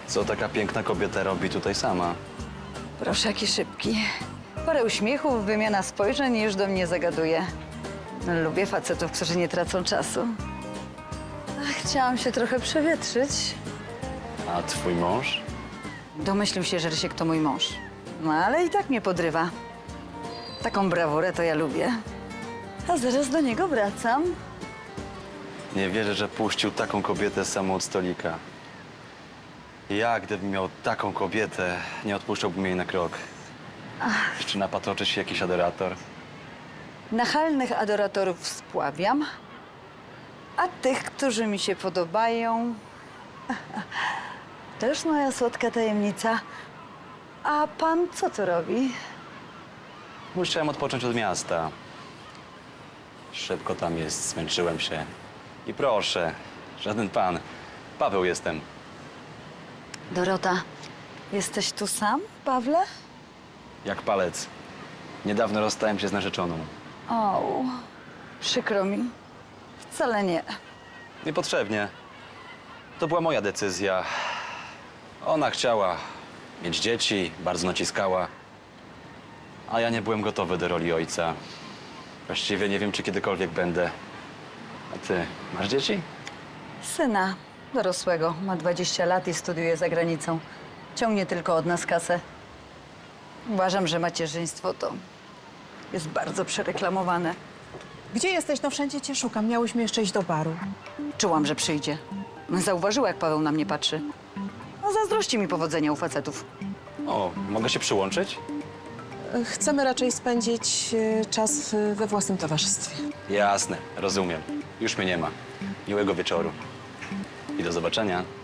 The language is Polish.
Co taka piękna kobieta robi tutaj sama? Proszę, jaki szybki. Parę uśmiechów, wymiana spojrzeń i już do mnie zagaduje. Lubię facetów, którzy nie tracą czasu. Chciałam się trochę przewietrzyć. A twój mąż? Domyślił się, że Rysiek to mój mąż. No ale i tak mnie podrywa. Taką brawurę to ja lubię. A zaraz do niego wracam. Nie wierzę, że puścił taką kobietę samą od stolika. Ja, gdybym miał taką kobietę, nie odpuszczałbym jej na krok. Jeszcze napatoczy się jakiś adorator. Nachalnych adoratorów spławiam, a tych, którzy mi się podobają, to już moja słodka tajemnica. A pan co tu robi? Musiałem odpocząć od miasta. Szybko tam jest, zmęczyłem się. I proszę, żaden pan. Paweł jestem. Dorota, jesteś tu sam, Pawle? Jak palec. Niedawno rozstałem się z narzeczoną. O, przykro mi. Wcale nie. Niepotrzebnie. To była moja decyzja. Ona chciała mieć dzieci, bardzo naciskała. A ja nie byłem gotowy do roli ojca. Właściwie nie wiem, czy kiedykolwiek będę. A ty, masz dzieci? Syna dorosłego, ma 20 lat i studiuje za granicą. Ciągnie tylko od nas kasę. Uważam, że macierzyństwo to jest bardzo przereklamowane. Gdzie jesteś? No wszędzie cię szukam. Miałyśmy jeszcze iść do baru. Czułam, że przyjdzie. Zauważyła, jak Paweł na mnie patrzy. No, zazdrości mi powodzenia u facetów. O, mogę się przyłączyć? Chcemy raczej spędzić czas we własnym towarzystwie. Jasne, rozumiem. Już mnie nie ma. Miłego wieczoru. I do zobaczenia.